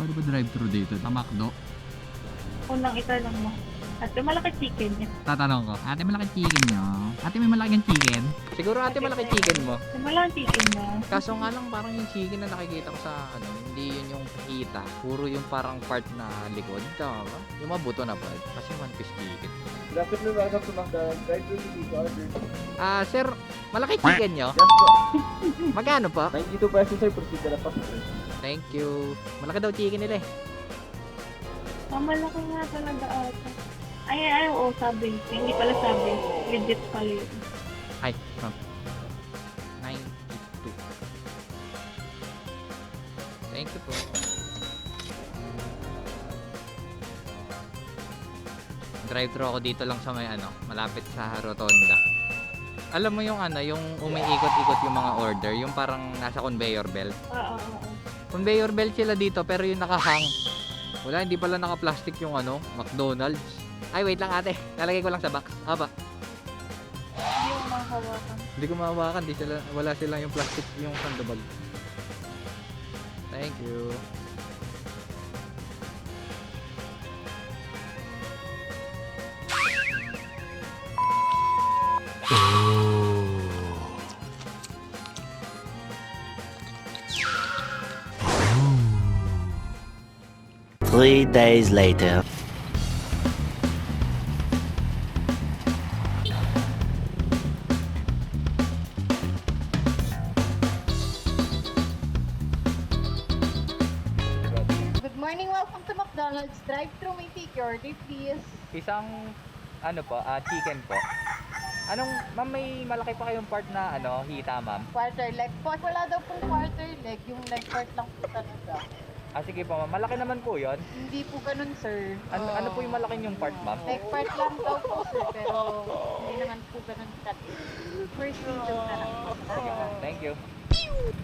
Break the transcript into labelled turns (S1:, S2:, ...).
S1: Paano ba drive-thru dito? Sa McDo?
S2: Unang itanong mo. At malaki chicken niya.
S1: Tatanong ko, ate malaki chicken nyo? Ate may malaking chicken? Siguro ate malaki chicken mo.
S2: Malaki chicken niya.
S1: Kaso nga lang parang yung chicken na nakikita ko sa hindi yun yung kita. Puro yung parang part na likod. Tama ba? Yung mabuto na part. Kasi one piece chicken.
S3: Good afternoon, welcome to McDonald's. Drive-thru to order.
S1: Sir, malaki chicken nyo?
S3: Yes po.
S1: Magkano po?
S3: 92 pesos sir, proceed na lang po.
S1: Thank you. Malaki daw chicken nila eh.
S2: Malaki nga talaga ata. Ay, oo, sabi. Hindi pala sabi. Legit pala yun.
S1: Ay, ma'am. 92. Thank you po. Drive-thru ako dito lang sa may malapit sa Rotonda. Alam mo yung yung umiikot-ikot yung mga order, yung parang nasa conveyor belt.
S2: Oo.
S1: Conveyor belt sila dito pero yung nakahang. Wala, hindi pala naka-plastic yung McDonald's. Ay, wait lang ate. Lalagay ko lang sa box. Haba.
S2: Hindi mo makahawakan.
S1: Hindi ko mahawakan. Wala silang yung plastic yung sandubag. Thank you.
S4: Three days later.
S5: Good morning, welcome to McDonald's. Drive-thru, may take your order, please.
S1: Isang chicken po. Ma'am, may malaki pa kayong part na hita, ma'am?
S5: Quarter leg po. Wala daw pong quarter leg, yung leg part lang po talaga.
S1: Sige po, ma'am. Malaki naman po yon.
S5: Hindi po ganun, sir.
S1: Ano po yung malaki yung part, ma'am?
S5: Leg part lang daw po, sir, pero hindi naman po ganun cut. First video na lang po.
S1: Sige, ma'am. Thank you.